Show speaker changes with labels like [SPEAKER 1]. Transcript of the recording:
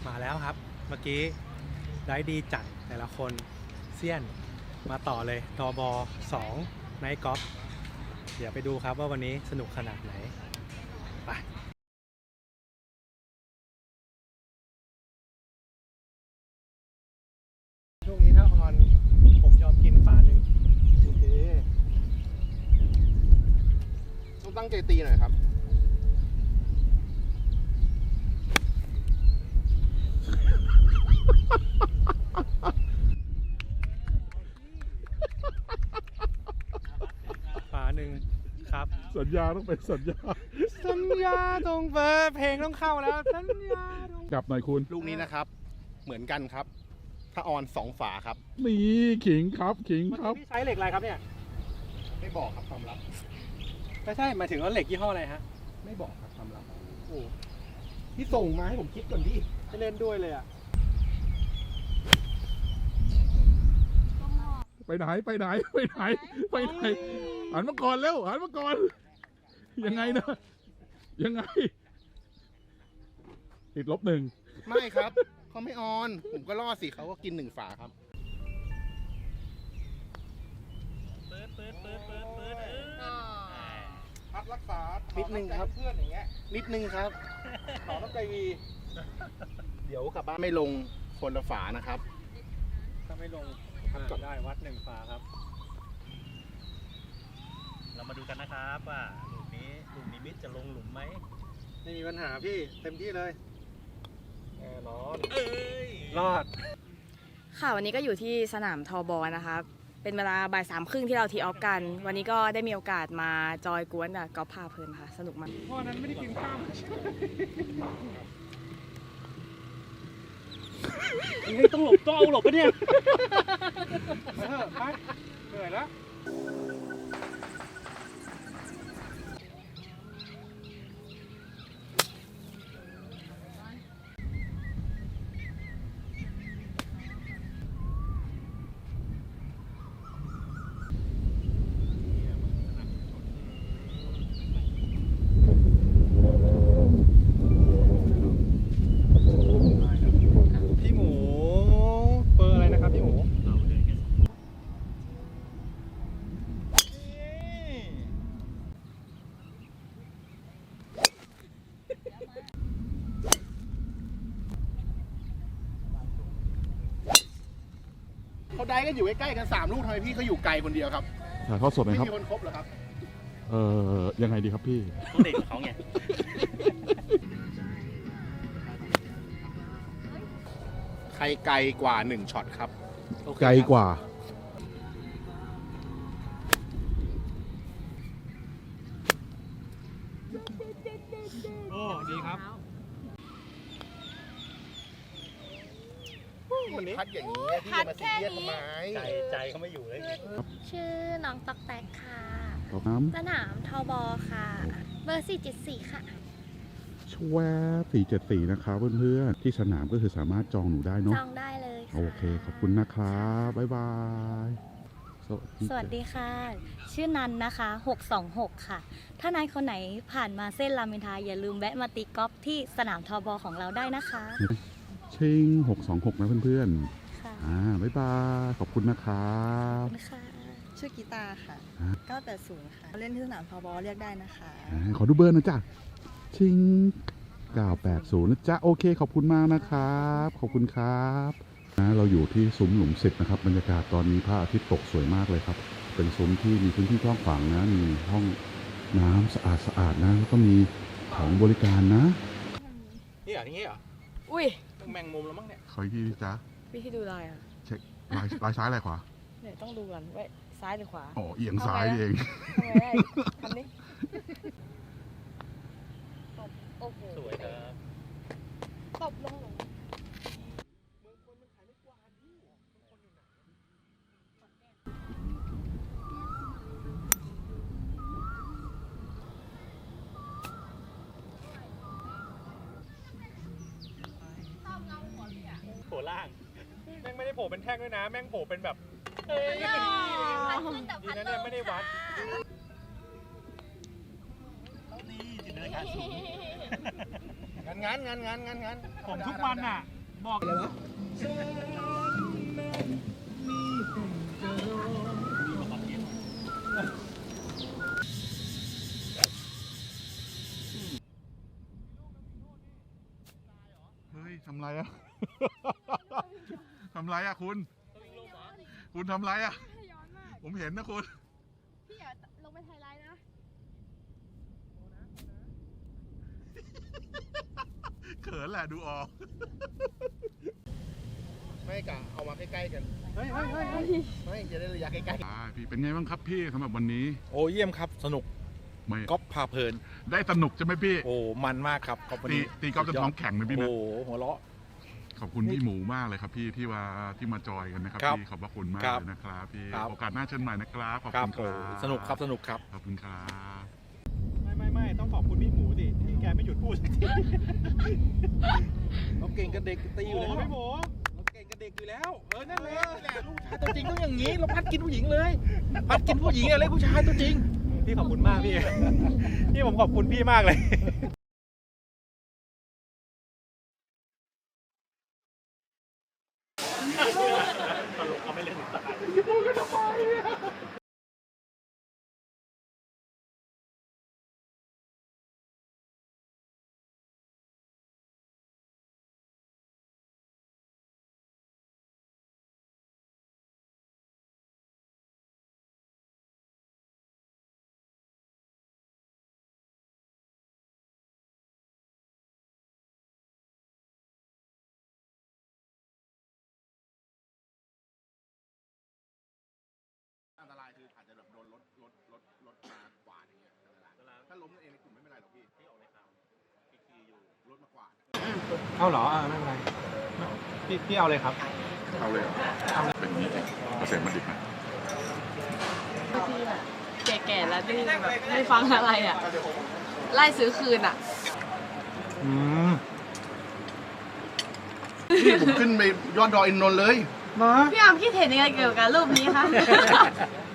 [SPEAKER 1] มาแล้วครับเมื่อกี้ได้ดีจัดแต่ละคนเซียนมาต่อเลยทบ2ไนท์กอล์ฟเดี๋ยวไปดูครับว่าวันนี้สนุกขนาดไหนไปช่วงนี้ถ้าออนผมยอมกินฝาหนึ่งโอเค
[SPEAKER 2] ต้องตั้งใจตีหน่อยครับ
[SPEAKER 1] ฝาหนึ่งครับ
[SPEAKER 3] สัญญาต้องเป็นสัญญา
[SPEAKER 1] ต้องเปิดเพลงต้องเข้าแล้วสัญญาต้อง
[SPEAKER 3] กลับหน่อยคุณ
[SPEAKER 2] ลูกนี้นะครับเหมือนกันครับถ้าออน2 ฝาครับ
[SPEAKER 3] นี่ขิงครับขิงครับ
[SPEAKER 1] พี่ใช้เหล็กอะไรครับเนี่ย
[SPEAKER 2] ไม่บอกครับความลับ
[SPEAKER 1] ไม่ใช่หมายถึงว่าเหล็กยี่ห้ออะไรฮะ
[SPEAKER 2] ไม่บอกครับความลับ
[SPEAKER 1] โอ้
[SPEAKER 2] ที่ส่งมาให้ผมคิดก่อนดิ
[SPEAKER 1] ให้เล่นด้วยเลยอ่ะ
[SPEAKER 3] ไปไหนไปไหนไปไหนไปไหนหันมาก่อนเร็วหันมาก่อนยังไงนะยังไงติด-1
[SPEAKER 2] ไม่ครับเขาไม่ออนผมก็รอดสิเขาก็กิน1 ฝาครับ
[SPEAKER 4] เปิด
[SPEAKER 2] พักรักษานิดนึงครับเพื่อนอย่างเงี้ยนิดนึงครับหนอนน้ำใจวีเดี๋ยวกลับบ้านไม่ลงคนละฝานะครับ
[SPEAKER 1] ถ้าไม่ลงได้วัด1 ฝาครับ
[SPEAKER 4] เรามาดูกันนะครับว่าลูกนิมิตจะลงหลุมไหม
[SPEAKER 1] ไม่มีปัญหาพี่เต็มที่เลย
[SPEAKER 4] แน่นอน
[SPEAKER 1] รอด
[SPEAKER 5] ค่ะวันนี้ก็อยู่ที่สนามทบนะคะเป็นเวลาบ่าย 3:30ที่เราทีออฟกันวันนี้ก็ได้มีโอกาสมาจอยกวนกับกอล์ฟพาเพลินค่ะสนุกมาก
[SPEAKER 1] พ่อนั้นไม่ได้กินข้าวยังต้องหลบต้องเอาหลบปะเนี่ยไปเถอะไปเหนื่อยแล้วพี่หมูเบอร์อะไรนะครับพี่หมู
[SPEAKER 2] เขาได้กันอยู่ใกล้ๆกัน3 ลูกทำไมพี่เขาอยู่ไกลคนเดียวครับ
[SPEAKER 3] ถ่ายทอดสดไหมครับ
[SPEAKER 2] ไม่มีคนครบเหรอครับ
[SPEAKER 3] ยังไงดีครับพี่
[SPEAKER 4] ต้องเด็กเขาไง
[SPEAKER 2] ใครไกลกว่า1 ช็อตครับ
[SPEAKER 3] ไกลกว่า
[SPEAKER 1] โอ้ดีครับ
[SPEAKER 2] มันพัดอย่างนี้พี่จะมาซีเรียสทำไม
[SPEAKER 4] ใจเขาไม่อยู่เลย
[SPEAKER 6] ชื่อน้องตอกแตกค่ะสนามทบค่ะเบอร์474ค่ะ
[SPEAKER 3] ช่วย474นะครับเพื่อนๆที่สนามก็คือสามารถจองหนูได้เนาะ
[SPEAKER 6] จองได้เลย
[SPEAKER 3] โอเคขอบคุณนะครับบ๊ายบาย
[SPEAKER 6] สวัสดีค่ะชื่อนันนะคะ626ค่ะถ้านายคนไหนผ่านมาเส้นรามอินทราอย่าลืมแวะมาตีกอล์ฟที่สนามทบของเราได้นะคะ
[SPEAKER 3] ชิง626นะเพื่อนๆค่ะบ๊ายบายขอบคุณนะครับ
[SPEAKER 5] ค่ะชื่อกีตาค่ะ980ค่ะเล่นที่สนามทบเรียกได้นะคะ
[SPEAKER 3] ขอดูเบอร์นะจ๊ะชิง980นะจ๊ะโอเคขอบคุณมากนะครับขอบคุณครับเราอยู่ที่ซุ้มหลุม10นะครับบรรยากาศตอนนี้พระอาทิตย์ตกสวยมากเลยครับเป็นซุ้มที่มีพื้นที่กว้างขวางนะมีห้องน้ำสะอาดนะแล้วก็มีของบริการนะ
[SPEAKER 1] นี่เหรออย่างงี้เหรอ
[SPEAKER 5] อุ้ย
[SPEAKER 1] แมงมุมแล้วมั้งเนี่ย
[SPEAKER 3] ขออีกทีจ๊ะ
[SPEAKER 5] พี่ที่ดูลายอ่ะ
[SPEAKER 3] เช็คลายซ้ายลายขวา
[SPEAKER 5] เนี่ยต้องดูกันว่าซ้ายหรือขวา
[SPEAKER 3] อ๋อเอียงซ้ายเอง
[SPEAKER 5] ทำดิ
[SPEAKER 4] โอ้โหสวยครับ
[SPEAKER 5] ตบลง
[SPEAKER 1] โผล่ล่างแม่งไม่ได้โผล่เป็นแท่งด้วยนะแม่งโผล่เป็นแบบ
[SPEAKER 6] ดีนะ
[SPEAKER 1] เนี่ยไม่ได้วัด
[SPEAKER 4] ต้องดีจินตนาการสูง
[SPEAKER 2] งาน
[SPEAKER 1] ผมทุกวันอ่ะบอกเลยวะ
[SPEAKER 3] เฮ้ยทำไรอะ ทำไรอะคุณ คุณทำไรอะ ผมเห็นนะคุณ
[SPEAKER 5] พี่อย่าลงไปไฮไลท์นะ
[SPEAKER 3] เขินแหละดูออก
[SPEAKER 2] ไม่กะเอามาใกล้ๆกัน
[SPEAKER 1] เฮ้ย
[SPEAKER 2] ไม่จะได้ระยะใกล้ๆ
[SPEAKER 3] พี่เป็นไงบ้างครับพี่สำหรับวันนี้
[SPEAKER 7] โอ้เยี่ยมครับสนุก
[SPEAKER 3] ไม่
[SPEAKER 7] ก๊อฟพาเพลิน
[SPEAKER 3] ได้สนุกใช่ไหมพี่
[SPEAKER 7] โอ้มันมากครับก๊อฟวันนี้
[SPEAKER 3] ตีกอล์ฟจนท้องแข็งเลยพี่นะ
[SPEAKER 7] โอ้หัวเราะ
[SPEAKER 3] ขอบคุณพี่หมูมากเลยครับพี่ที่มาจอยกันนะครับ
[SPEAKER 7] ครับ
[SPEAKER 3] พี่ขอบพระคุณมาก
[SPEAKER 7] ครับ
[SPEAKER 3] เลยนะครับพี่
[SPEAKER 7] ครับ
[SPEAKER 3] โอกาสหน้าเชิญใหม่นะครับขอบ
[SPEAKER 7] ครั
[SPEAKER 3] คุ
[SPEAKER 7] บ
[SPEAKER 3] ณค
[SPEAKER 7] โอ้
[SPEAKER 3] รับ
[SPEAKER 7] สนุกครับสนุกครับ
[SPEAKER 3] ขอบคุณครับ
[SPEAKER 1] ไม่ต้องขอบคุณพี่หมูดิที่แกไม่หยุดพูดสักที
[SPEAKER 7] เราเก่งกับเด็กตีอยู่แล้ว
[SPEAKER 1] พี่หมู
[SPEAKER 7] เราเก่งกับเด็กอยู่แล้ว นั่นแหละลูกชายตัวจริงต้องอย่างนี้ เราพัดกินผู้หญิงเลย พัดกินผู้หญิงอะไรผู้ชายตัวจริง
[SPEAKER 1] พี่ขอบคุณมากพี่ พี่ผมขอบคุณพี่มากเลย
[SPEAKER 2] อันตรายคืออาจจะแบบโดนรถมากวาดอย่างเงี้ยอันตรายถ้าล้มเองในกลุ่มไม่เป็นไรหรอกพี่ที่ออกในข่าวขี่อยู่รถมากวาด
[SPEAKER 1] เอาเหรอไม่เป็นไรพี่เอาเลยครับ
[SPEAKER 3] เอาเลยเหรอเป็นอย่างนี้เองเกษตรบัณฑิตนะ
[SPEAKER 5] พี่อะแก่ๆแล้วที่แบบไม่ฟังอะไรอ่ะ ไล่ซื้อคืนอ่ะ
[SPEAKER 1] อืม
[SPEAKER 2] พี่ผมขึ้นไปยอดดอยอินนนท์เลย
[SPEAKER 1] มา
[SPEAKER 5] พี่อามคิดเห็นยังไงเกี่ยวกับรูปนี้คะ